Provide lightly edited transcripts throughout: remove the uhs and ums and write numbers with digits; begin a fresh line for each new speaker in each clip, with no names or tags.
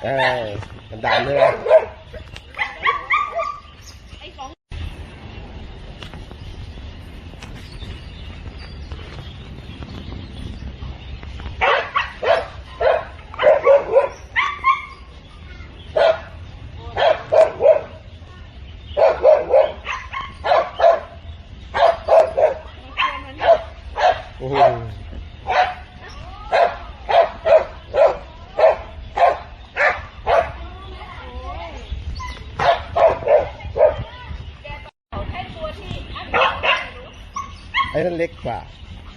มันดันเลยโอ้โหไอ้นั่นเล็กกว่า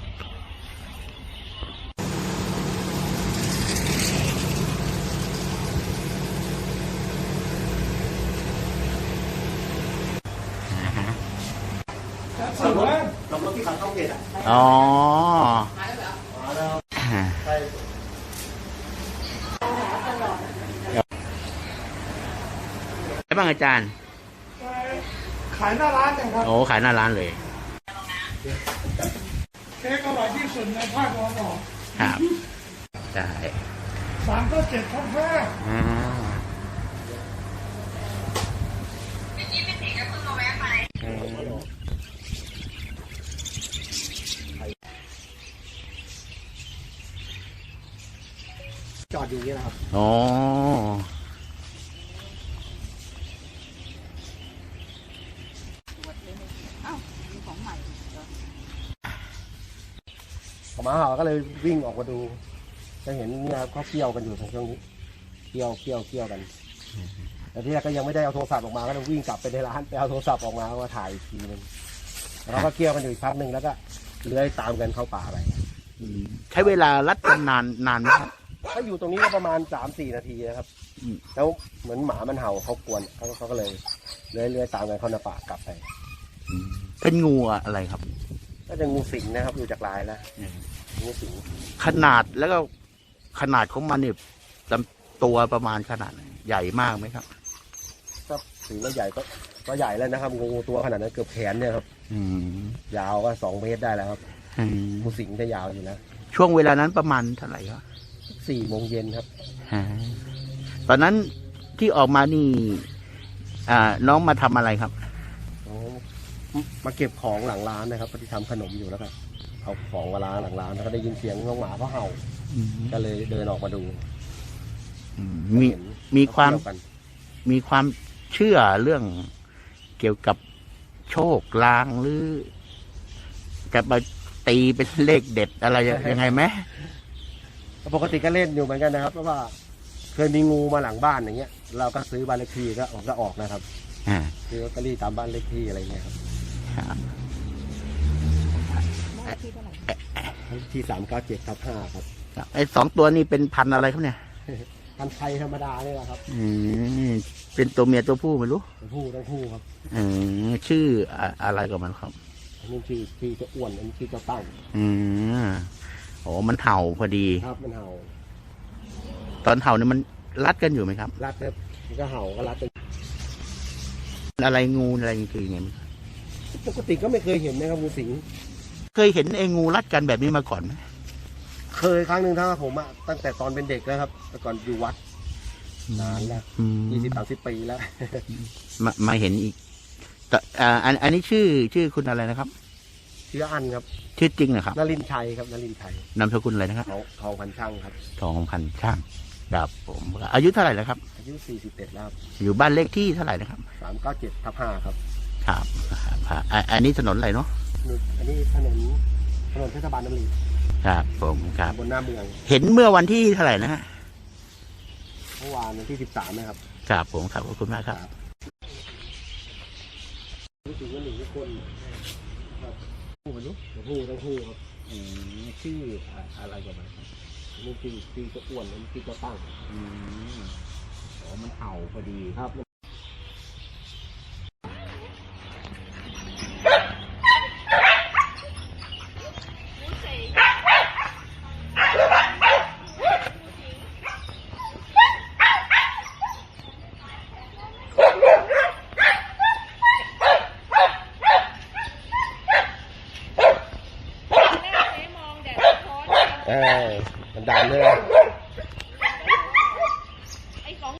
ลงรถที่ขับเข้าเกตอ่ะ
อ๋อไอ้บ้างอาจารย์
ขายหน้าร้านเนี่ยครับ
โอ้ขายหน้าร้านเลย
เค้กอร่อยที่สุดในภาคตะวันออก
ครับใช่
397/5
จอดอยู่นี่นะครับ
อ๋อ
หมาเห่าก็เลยวิ่งออกมาดูจะเห็นเนี่ยเขาเกี่ยวกันอยู่ตรงช่วงนี้เกี่ยวกันแต่ที่แรกก็ยังไม่ได้เอาโทรศัพท์ออกมาก็ต้องวิ่งกลับไปในร้านไปเอาโทรศัพท์ออกมาถ่ายอีกทีนึงแล้วก็เกี่ยวกันอยู่อีกพักหนึ่งแล้วก็เลื้อยตามกันเข้าป่าไป
ใช้เวลารัดกันนานไหมครับ
ถ้าอยู่ตรงนี้ก็ประมาณ 3-4 นาทีนะครับแล้วเหมือนหมามันเห่าเขากวนเขาก็เลยเลื้อยตามกันเข้าในป่ากลับไป
เป็นงูอะไรครับ
ก็จะงูสิงนะครับดูจากลายแล้วงูสิง
ขนาดแล้วก็ขนาดของมันเนี่ยลำตัวประมาณขนาดใหญ่มากไหมครับ
ก็ถือว่าใหญ่ก็ใหญ่แล้วนะครับงูตัวขนาดนั้นเกือบแขนเนี่ยครับยาวก็2 เมตรได้แล้วครับงูสิงจะยาวอยู่นะ
ช่วงเวลานั้นประมาณเท่าไหร่ครับ
4 โมงเย็นครับ
ตอนนั้นที่ออกมานี่น้องมาทำอะไรครับ
มาเก็บของหลังร้านนะครับที่ทำขนมอยู่แล้วก็เอาของมาล้างหลังร้านแล้วก็ได้ยินเสียงน้องหมาเขาเห่าก็เลยเดินออกมาดู
มีความเชื่อเรื่องเกี่ยวกับโชคลางหรือจะไปตีเป็นเลขเด็ดอะไรยังไงไหม
ปกติก็เล่นอยู่เหมือนกันนะครับเพราะว่าเคยมีงูมาหลังบ้านอย่างเงี้ยเราก็ซื้อบ้านเลขที่ก็ออกนะครับซื้อลอตเตอรี่ตามบ้านเลขที่อะไรเงี้ยครับที่397/5ครับ
ไอ้2 ตัวนี้เป็นพันธุ์อะไรครับเนี่ย
พันธุ์ไทยธรรมดาเนี่ยแหละครับ
เป็นตัวเมียตัวผู้ไม่รู้
ตัวผู้ครับ
ชื่ออะไรกับมันครับ
อันนี้ชื่อเจ้าอ้วนอันนี้ชื่อเจ้าตั้ง
โอ้มันเห่าพอดี
ครับมันเห่า
ตอนเห่าเนี่ยมันรัดกันอยู่ไหมครับ
รัดครับมันก็เห่าก็รัดกัน
อะไรงูอะไรคือไง
ปกติก็ไม่เคยเห็นนะครับงูสิง
เคยเห็นงูรัดกันแบบนี้มาก่อนไหม
เคยครั้งหนึ่งถ้าผมตั้งแต่ตอนเป็นเด็กนะครับแต่ก่อนอยู่วัดนานแล้ว20-30 ปีแล้ว
มาเห็นอีกแต่อันนี้ชื่อคุณอะไรนะครับ
ชื่ออันครับ
ชื่อจริงนะครับ
นฤมชัยครับนฤมชัย
นามสกุลอะไรนะครับ
ทองพันช่างครับ
ทองพันช่างครับผมอายุเท่าไหร่แล้วครับ
อายุ41แล้ว
อยู่บ้านเลขที่เท่าไหร่นะครับ
397/5ครับ
ครับอันนี้ถนนอะไรเนาะ
อันนี้ถนนเทศบาลน้ำรี
ครับผมครับ
บนหน้าเมือง
เห็นเมื่อวันที่เท่าไหร่นะฮะ
เมื่อวานวันที่13นะครับ
ครับผมครับขอบคุณมากครับ
รู้สึกว่า1 คนครับผู้มันรู้ทั้งคู่ครับ
ชื่ออะไรกับมันครับ
นี่ชื่อเจ้าอ้วนนี่ชื่อเจ้าตั้ง
อ๋อมันเห่าพอดี
ครับมันดันเลย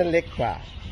นั้นเล็กกว่า